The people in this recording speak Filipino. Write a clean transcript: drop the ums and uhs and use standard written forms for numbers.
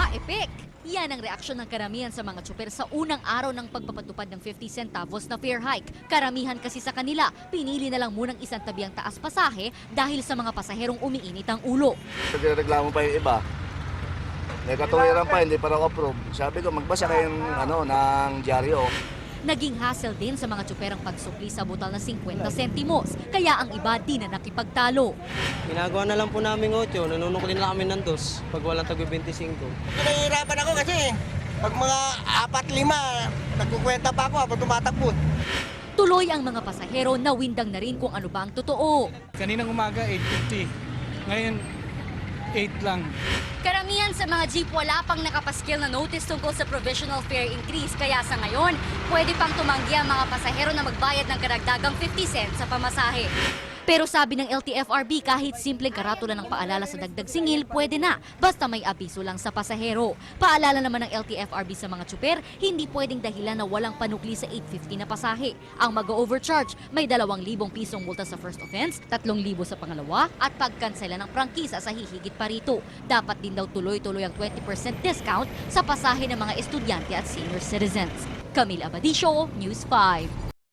Epek! Yan ang reaksyon ng karamihan sa mga tsuper sa unang araw ng pagpapatupad ng 50 centavos na fare hike. Karamihan kasi sa kanila, pinili na lang munang isang tabi ang taas pasahe dahil sa mga pasaherong umiinit ang ulo. Nagreklamo pa yung iba. May katuwiran pa, hindi pa raw approve. Sabi ko, magbasa kayo ng dyaryo. Naging hassle din sa mga tsuperang pagsukli sa butal na 50 sentimos, kaya ang iba di na nakipagtalo. Ginagawa na lang po namin 8, nanunukulin lang kami ng 2 pag walang tagwi 25. Nahihirapan ako kasi pag mga 4-5, nagkukwenta pa ako habang tumatakbo. Tuloy ang mga pasahero na windang na rin kung ano ba ang totoo. Kaninang umaga, 8.50. Ngayon, 8 lang. Karamihan sa mga jeep wala pang nakapaskil na notice tungkol sa provisional fare increase. Kaya sa ngayon, pwede pang tumanggi ang mga pasahero na magbayad ng karagdagang 50 cents sa pamasahe. Pero sabi ng LTFRB, kahit simpleng karatula ng paalala sa dagdag singil, pwede na, basta may abiso lang sa pasahero. Paalala naman ng LTFRB sa mga tsuper, hindi pwedeng dahilan na walang panukli sa 850 na pasahe. Ang mag-overcharge, may 2,000 pisong multa sa first offense, 3,000 sa pangalawa, at pagkansela ng prangkisa sa hihigit pa rito. Dapat din daw tuloy-tuloy ang 20% discount sa pasahe ng mga estudyante at senior citizens. Camille Abadisio, News 5.